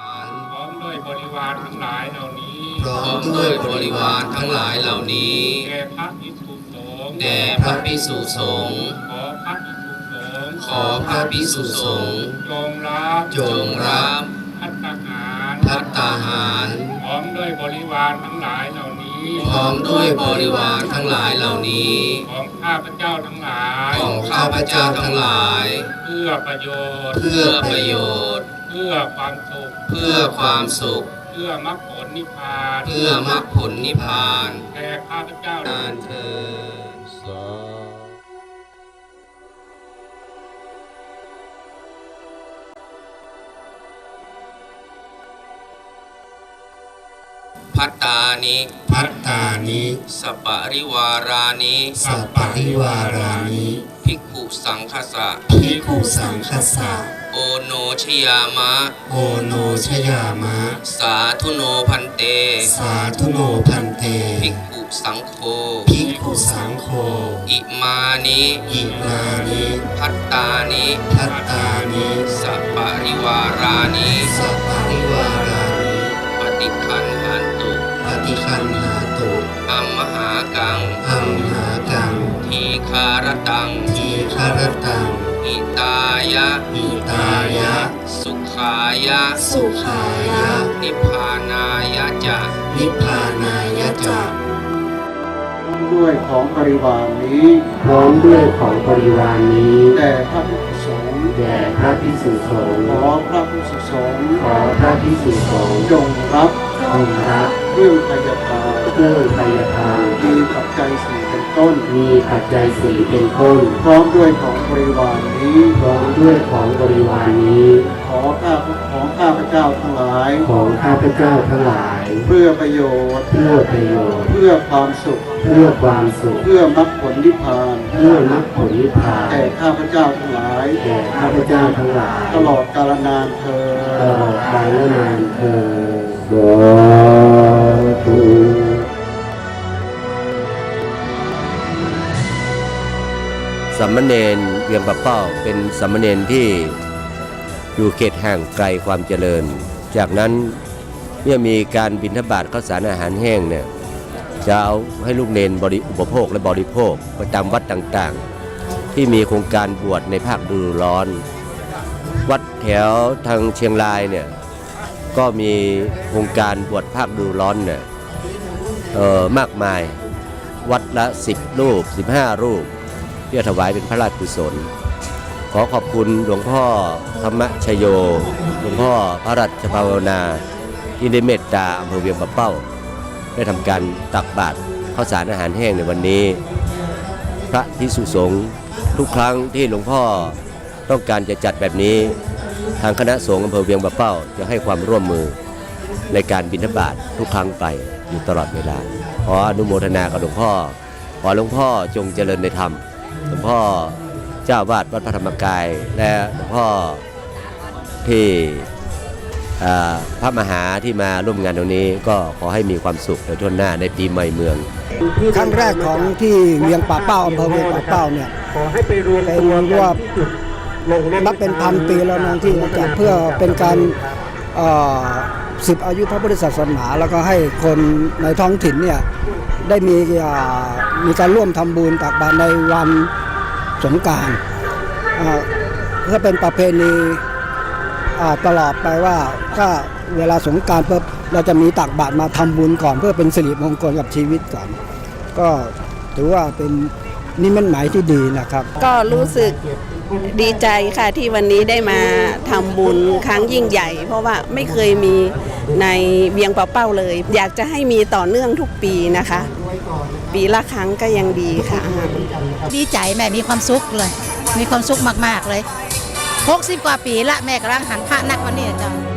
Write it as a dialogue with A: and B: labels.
A: พร้อมด้วยบริวารทั้งหลายเหล่านี้
B: พร้อมด้วยบริวารทั้งหลายเหล่านี้
A: แด่พระภิกษุสงฆ์
B: แด่พระภิกษุสงฆ์
A: ขอพระภิกษุสงฆ์
B: จงรับ
A: ภัตตาหาร
B: พร้อมด้วยบริวารทั้งหลายเหล่านี้
A: พร้อมด้วยบริวารทั้งหลายเหล่านี้
B: ของข้าพเจ้าทั้งหลาย
A: ของข้าพเจ้าทั้งหลาย
B: เพื่อประโยชน์
A: เพื่อประโยชน์
B: เพื่อความสุข
A: เพื่อความสุข
B: เพื่อมรรคผลนิพพาน
A: เพื่อมรรคผลนิพพาน
B: แด่ข้าพเจ้า
A: นานเถิดภัตตานิ
C: ภัตตานิ
A: สัปปะริวารานิ
C: สัปปะริวารานิ
A: ภิกขุสังฆสะ
C: ภิกขุสังฆสะ
A: โอโนชยามะ
C: โอโนชยามะ
A: สาธุโนพันเต
C: สาธุโนพันเต
A: ภิกขุสังโฆ
C: ภิกขุสังโฆ
A: อิมานิ
C: อิมานิ
A: ภัตตานิ
C: ภัตตานิ
A: สัปปะริวารานิ
C: สัปปะริวารานิ
A: ปฏิคันหันตุ
C: ปฏิคันหาตุ
A: อัมมหากัง
C: อัมหากัง
A: ทีคารตัง
C: ทีคารตัง
A: อิตายะ
C: อิตายะ
A: สุขายะ
C: สุขายะ
A: นิพพานายะจะ
C: นิพพานายะจา
D: ด้วยของบริวารนี้
C: พร้อมด้วยของบริวารนี้
D: แด่พระภิกษุสงฆ์
C: แด่พระภิกษุสงฆ์
D: ขอพระภิกษุสงฆ์
C: ขอพระภิกษุสงฆ์
D: จงรับ
C: จงรับ
D: เครื่องพยาทาน
C: เครื่องไตรทาน
D: มีปัจจัยสี่เป็นต้น
C: มีปัจจัยสี่เป็นต้น
D: พร้อมด้วยของบริวารนี้
C: พร้อมด้วยของบริวารนี้
D: ของข้าพเจ้าทั้งหลาย
C: ของข้าพเจ้าทั้งหลาย
D: เพื่อประโยชน์
C: เพื่อประโยชน์
D: เพื่อความสุข
C: เพื่อความสุข
D: เพื่อมรรคผลนิพพาน
C: เพื่อมรรคผลนิพพาน
D: แก่ข้าพเจ้าทั้งหลาย
C: แก่ข้าพเจ้าทั้งหลาย
D: ตลอดกาลนานเธอ
C: ตลอดกาลนานเถิดสาธุ
E: สามเณรเวียงปะเป้าเป็นสามเณรที่อยู่เขตห่างไกลความเจริญจากนั้นเมื่อมีการบิณฑบาตข้าวสารอาหารแห้งเนี่ยจะเอาให้ลูกเนรอุปโภคและบริโภคประจำวัดต่างๆที่มีโครงการบวชในภาคฤดูร้อนวัดแถวทางเชียงรายเนี่ยก็มีโครงการบวชภาคฤดูร้อนเนี่ยมากมายวัดละ10 รูป 15 รูปเพื่อถวายเป็นพระราชกุศลขอขอบคุณหลวงพ่อธรรมชโยหลวงพ่อพระราชภาวนาที่ได้เมตตาอำเภอเวียงปะเป้าได้ทำการตักบาตรข้าวสารอาหารแห้งในวันนี้พระภิกษุสงฆ์ทุกครั้งที่หลวงพ่อต้องการจะจัดแบบนี้ทางคณะสงฆ์อำเภอเวียงปะเป้าจะให้ความร่วมมือในการบิณฑบาตทุกครั้งไปอยู่ตลอดเวลาขออนุโมทนากับหลวงพ่อขอหลวงพ่อจงเจริญในธรรมหลวงพ่อเจ้าวาดวัดพระธรรมกายและหลวงพ่อที่พระมหาที่มาร่วมงานตรงนี้ก็ขอให้มีความสุขในทั่วหน้าในปีใหม่เมือง
F: ครั้งแรกของที่เวียงป่าเป้าอำเภอเวียงป่าเป้าเนี่ยเป็นว่านับเป็นพันปีแล้วนะที่จัดเพื่อเป็นการสืบอายุพระพุทธศาสนาแล้วก็ให้คนในท้องถิ่นเนี่ยได้มีการร่วมทำบุญตักบาตรในวันสงกรานต์เพื่อเป็นประเพณีตลอดไปว่าถ้าเวลาสงกรานต์ปุ๊บเราจะมีตักบาตรมาทำบุญก่อนเพื่อเป็นสิริมงคลกับชีวิตก่อนก็ถือว่าเป็นนิมิตหมายที่ดีนะครับ
G: ก็รู้สึกดีใจค่ะที่วันนี้ได้มาทำบุญครั้งยิ่งใหญ่เพราะว่าไม่เคยมีในเวียงปะเป้าเลยอยากจะให้มีต่อเนื่องทุกปีนะคะปีละครั้งก็ยังดีค่ะ
H: ดีใจแม่มีความสุขเลยมีความสุขมากๆเลย60 กว่าปีละแม่กำลังหันพระนักวันนี้จ้ะ